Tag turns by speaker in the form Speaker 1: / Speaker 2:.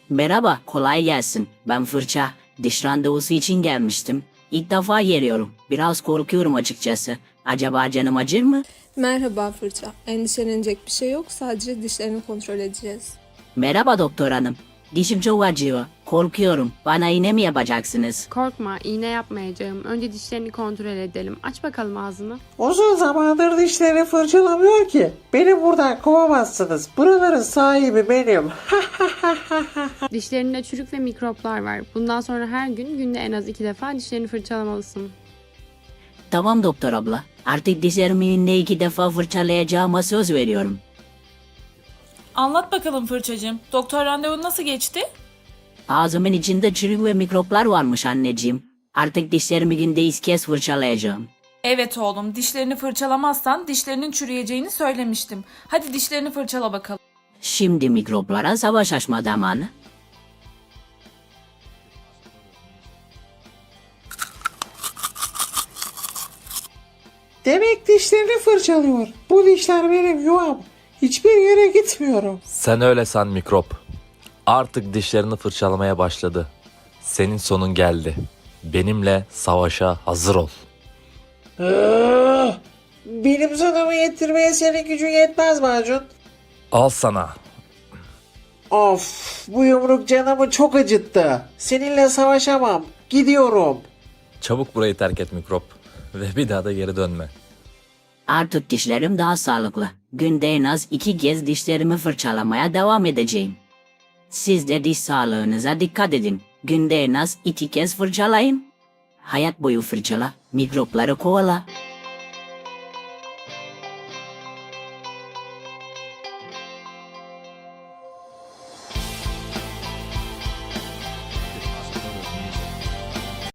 Speaker 1: Merhaba, kolay gelsin. Ben Fırça. Diş randevusu için gelmiştim. İlk defa geliyorum. Biraz korkuyorum açıkçası. Acaba canım acır mı?
Speaker 2: Merhaba Fırça. Endişelenecek bir şey yok. Sadece dişlerini kontrol edeceğiz.
Speaker 1: Merhaba doktor hanım. Dişim çok acıyor. Korkuyorum. Bana iğne mi yapacaksınız?
Speaker 3: Korkma, iğne yapmayacağım. Önce dişlerini kontrol edelim. Aç bakalım ağzını.
Speaker 4: Uzun zamandır dişlerini fırçalamıyor ki. Beni buradan kovamazsınız. Buraların sahibi benim.
Speaker 3: Dişlerinde çürük ve mikroplar var. Bundan sonra her gün günde en az 2 defa dişlerini fırçalamalısın.
Speaker 1: Tamam doktor abla. Artık dişlerimi yine 2 defa fırçalayacağıma söz veriyorum.
Speaker 5: Anlat bakalım Fırçacığım. Doktor randevun nasıl geçti?
Speaker 1: Ağzımın içinde çürük ve mikroplar varmış anneciğim. Artık dişlerimi günde 2 kez fırçalayacağım.
Speaker 5: Evet oğlum, dişlerini fırçalamazsan dişlerinin çürüyeceğini söylemiştim. Hadi dişlerini fırçala bakalım.
Speaker 1: Şimdi mikroplara savaş açma zamanı.
Speaker 4: Demek dişlerini fırçalıyor. Bu dişler benim yuvam. Hiçbir yere gitmiyorum.
Speaker 6: Sen öyle san mikrop. Artık dişlerini fırçalamaya başladı. Senin sonun geldi. Benimle savaşa hazır ol.
Speaker 4: Benim sonumu getirmeye senin gücün yetmez Macun.
Speaker 6: Al sana.
Speaker 4: Of, bu yumruk canımı çok acıttı. Seninle savaşamam. Gidiyorum.
Speaker 6: Çabuk burayı terk et mikrop. Ve bir daha da geri dönme.
Speaker 1: Artık dişlerim daha sağlıklı. Günde en az 2 kez dişlerimi fırçalamaya devam edeceğim. Siz de diş sağlığınıza dikkat edin. Günde en az 2 kez fırçalayın. Hayat boyu fırçala, mikropları kovala.